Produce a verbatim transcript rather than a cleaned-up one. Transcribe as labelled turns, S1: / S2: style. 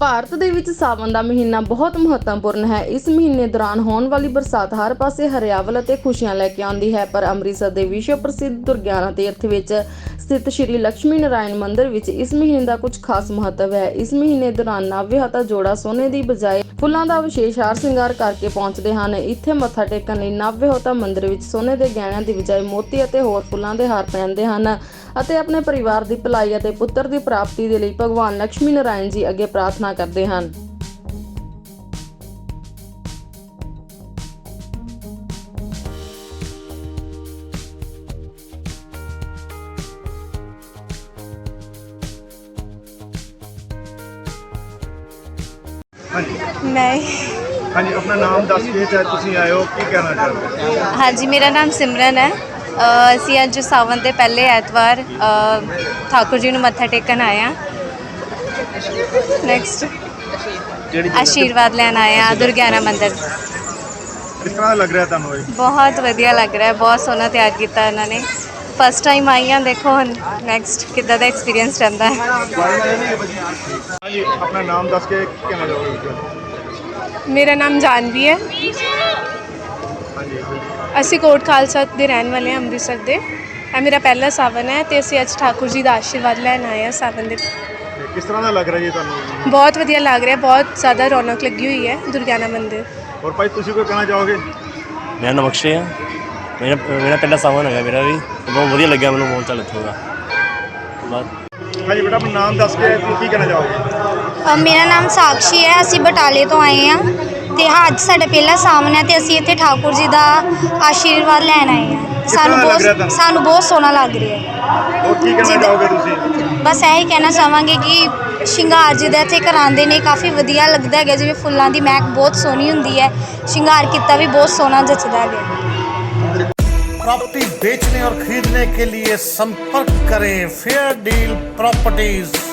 S1: ਭਾਰਤ ਦੇ ਵਿੱਚ ਸਾਵਣ ਦਾ ਮਹੀਨਾ ਬਹੁਤ ਮਹੱਤਵਪੂਰਨ ਹੈ। ਇਸ ਮਹੀਨੇ ਦੌਰਾਨ ਹੋਣ ਵਾਲੀ ਬਰਸਾਤ ਹਰ ਪਾਸੇ ਹਰਿਆਵਲ ਅਤੇ ਖੁਸ਼ੀਆਂ ਲੈ ਕੇ ਆਉਂਦੀ ਹੈ। ਪਰ ਅੰਮ੍ਰਿਤਸਰ ਦੇ ਵਿਸ਼ਵ ਪ੍ਰਸਿੱਧ ਦੁਰਗਿਆਨਾ ਤੀਰਥ ਵਿੱਚ ਸਥਿਤ ਸ਼੍ਰੀ ਲక్ష్ਮੀ ਨਾਰਾਇਣ ਮੰਦਿਰ ਵਿੱਚ ਇਸ ਮਹੀਨੇ ਦਾ ਕੁਝ ਖਾਸ ਮਹੱਤਵ ਹੈ। ਇਸ ਮਹੀਨੇ ਦੌਰਾਨ ਨਵਵਿਆਹੁਤਾ ਜੋੜਾ ਸੋਨੇ ਦੀ ਬਜਾਏ ਫੁੱਲਾਂ ਦਾ ਵਿਸ਼ੇਸ਼ ਹਾਰ ਸ਼ਿੰਗਾਰ ਕਰਕੇ ਪਹੁੰਚਦੇ ਹਨ। ਇੱਥੇ ਮੱਥਾ ਟੇਕਣ ਲਈ ਨਵਵਿਆਹੁਤਾ ਮੰਦਿਰ ਵਿੱਚ ਸੋਨੇ ਦੇ ਗਹਿਣਿਆਂ ਦੀ ਬਜਾਏ ਮੋਤੀ ਅਤੇ ਹੋਰ ਫੁੱਲਾਂ ਦੇ ਹਾਰ ਪਹਿਨਦੇ ਹਨ ਅਤੇ ਆਪਣੇ ਪਰਿਵਾਰ ਦੀ ਭਲਾਈ ਅਤੇ ਪੁੱਤਰ ਦੀ ਪ੍ਰਾਪਤੀ ਦੇ ਲਈ ਭਗਵਾਨ ਲక్ష్ਮੀ ਨਾਰਾਇਣ ਜੀ ਅੱਗੇ ਪ੍ਰਾਰਥਨਾ ਕਰਦੇ ਹਨ।
S2: मैं
S3: हाँ जी, अपना नाम दस के चाहे तुसी आए हो की कहना चाहते हो?
S2: हाँ जी, मेरा नाम सिमरन है। ਅਸੀਂ ਅੱਜ ਸਾਵਨ ਦੇ ਪਹਿਲੇ ਐਤਵਾਰ ਠਾकुर जी ਨੂੰ ਮੱਥਾ ਟੇਕਣ ਆਏ ਹਾਂ। ਨੈਕਸਟ ਆਸ਼ੀਰਵਾਦ ਲੈਣ ਆਏ ਹਾਂ ਦੁਰਗਿਆਨਾ ਮੰਦਿਰ।
S3: किस तरह लग रहा है तुहानू?
S2: ਬਹੁਤ ਵਧੀਆ ਲੱਗ ਰਿਹਾ ਹੈ, ਬਹੁਤ ਸੋਹਣਾ ਤਿਆਰ ਕੀਤਾ ਇਹਨਾਂ ਨੇ। ਫਸਟ ਟਾਈਮ ਆਈ ਹਾਂ, ਦੇਖੋ ਹੁਣ ਨੈਕਸਟ ਕਿੱਦਾਂ ਦਾ ਐਕਸਪੀਰੀਅੰਸ ਰਹਿੰਦਾ ਹੈ।
S3: हाँ जी, अपना नाम दस के कहना चाहोगे?
S4: मेरा नाम जानवी है।
S3: हाँ जी,
S4: ਅਸੀਂ ਕੋਟ ਖਾਲਸਾ ਦੇ ਰਹਿਣ ਵਾਲੇ ਹਾਂ, ਅੰਮ੍ਰਿਤਸਰ ਦੇ। ਇਹ ਮੇਰਾ ਪਹਿਲਾ ਸਾਵਨ ਹੈ ਤੇ ਅਸੀਂ ਅੱਜ ਠਾकुर जी ਦਾ ਆਸ਼ੀਰਵਾਦ ਲੈਣ ਆਏ ਹਾਂ ਸਾਵਨ ਦੇ।
S3: ते किस तरह का लग रहा है जी तुहानू?
S4: ਬਹੁਤ ਵਧੀਆ ਲੱਗ ਰਿਹਾ, ਬਹੁਤ ਜ਼ਿਆਦਾ ਰੌਣਕ ਲੱਗੀ ਹੋਈ ਹੈ ਦੁਰਗਿਆਨਾ ਮੰਦਿਰ।
S3: और भाई तुसी कोई कहना चाहोगे?
S5: मेरा नाम अक्षय है। मेरा मेरा पहला सावन है मेरा भी, बहुत ਵਧੀਆ ਲੱਗਿਆ ਮੈਨੂੰ, ਬਹੁਤ ਚੱਲ ਇੱਥੋਂ ਦਾ ਬਾਅਦ।
S3: हाँ जी बेटा, अपना नाम दस के तुसी की कहना चाहोगे?
S6: ਮੇਰਾ ਨਾਮ ਸਾਕਸ਼ੀ ਹੈ। ਅਸੀਂ ਬਟਾਲੇ ਤੋਂ ਆਏ ਹਾਂ ਤੇ ਹਾਂ ਅੱਜ ਸਾਡਾ ਪਹਿਲਾ ਸਾਵਨ ਹੈ ਤੇ ਅਸੀਂ ਇੱਥੇ ਠਾकुर जी ਦਾ ਆਸ਼ੀਰਵਾਦ ਲੈਣ ਆਏ ਹਾਂ। ਸਾਨੂੰ
S3: ਲੱਗ ਰਿਹਾ
S6: ਬਹੁਤ
S3: ਤੁਹਾਨੂੰ?
S6: ਸਾਨੂੰ ਬਹੁਤ ਸੋਹਣਾ ਲੱਗ ਰਿਹਾ ਹੈ।
S3: और की कहना
S6: जिद-
S3: चाहोगे तुसी?
S6: ਬਸ ਇਹੀ ਕਹਿਣਾ ਚਾਹਾਂਗੇ ਕਿ ਸ਼ਿੰਗਾਰ ਜਿਹਦਾ ਇੱਥੇ ਕਰਾਉਂਦੇ ਨੇ ਕਾਫੀ ਵਧੀਆ ਲੱਗਦਾ ਹੈਗਾ। ਜਿਵੇਂ ਫੁੱਲਾਂ ਦੀ ਮਹਿਕ ਬਹੁਤ ਸੋਹਣੀ ਹੁੰਦੀ ਹੈ, ਸ਼ਿੰਗਾਰ ਕੀਤਾ ਵੀ ਬਹੁਤ ਸੋਹਣਾ ਜੱਚਦਾ ਹੈਗਾ।
S7: प्रॉपर्टी बेचने और खरीदने के लिए संपर्क करें फेयर डील प्रॉपर्टीज।